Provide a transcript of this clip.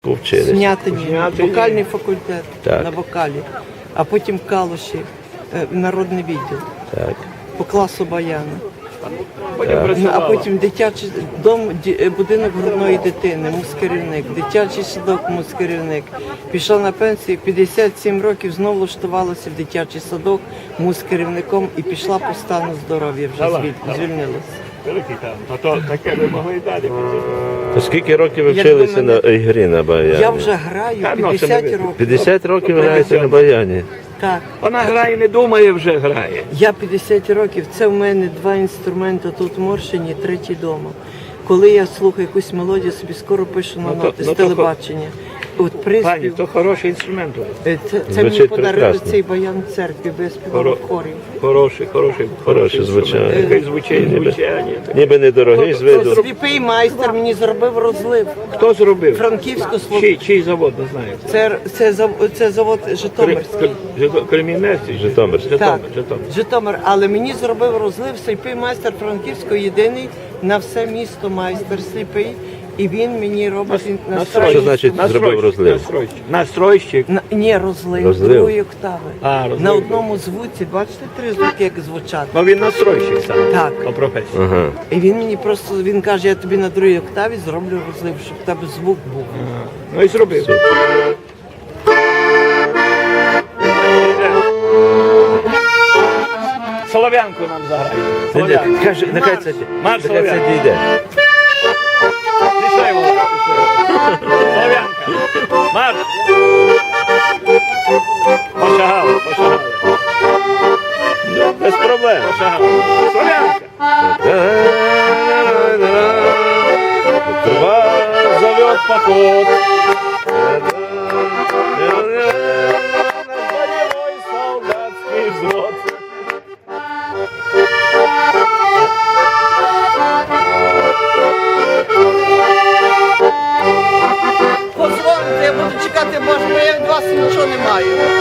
Повчились. Снятині, вокальний факультет Так. на вокалі, а потім в Калуші, народний відділ Так. по класу баяна. Потім А працювала. потім дитячий дом, будинок грудної дитини, мускерівник, дитячий садок, мускерівник. Пішла на пенсію, 57 років знову влаштувалася в дитячий садок мускерівником і пішла по стану здоров'я, вже звільнилася. Великий там. А то таке ви могли і далі. То скільки років ви вчилися на грі на баяні? Я вже граю Та, ну, 50 це не ви. років. 50 років граєте на баяні. Так. Вона грає, не думає, вже грає. Я 50 років, це в мене 2 інструменти тут в Моршині, третій вдома. Коли я слухаю якусь мелодію, собі скоро пишу на ноти з телебачення. От Пані, приспів. то хороший інструмент. Це мені Звучить подарили прекрасно. цей баян в церкві, бо я співала в хорі. Хороше звучання. Який звучання. Ніби недорогий з виду. Сліпий майстер мені зробив розлив. Хто зробив? Франківську Чий завод, не знаю. це завод Житомирський. Кремінецький? Житомирський. Так, Житомир. Житомир. Але мені зробив розлив сліпий майстер Франківського, єдиний на все місто майстер сліпий. І він мені робить Що значить зробив розлив? Настройщик. Ні, розлив, Розлив. другої октави. А, розлив. На одному звуці, бачите, 3 звуки, як звучать. Ну він настройщик сам. Так. По професії. Ага. І він мені просто, він каже, я тобі на другій октаві зроблю розлив, щоб в тебе звук був. Ну і зробив. Солов'янку нам заграє. Солов'янку. Каже, нехай це Марш нехай це Солов'янку. дійде. Пішли, Володя, пішли. Солов'янка. Марш. Пошагали. Без проблем. Пошагали. Солов'янка. Трава зовет поход. Боевой солдатский взвод. Позвоните, я буду чекати, бо я від вас нічого не маю.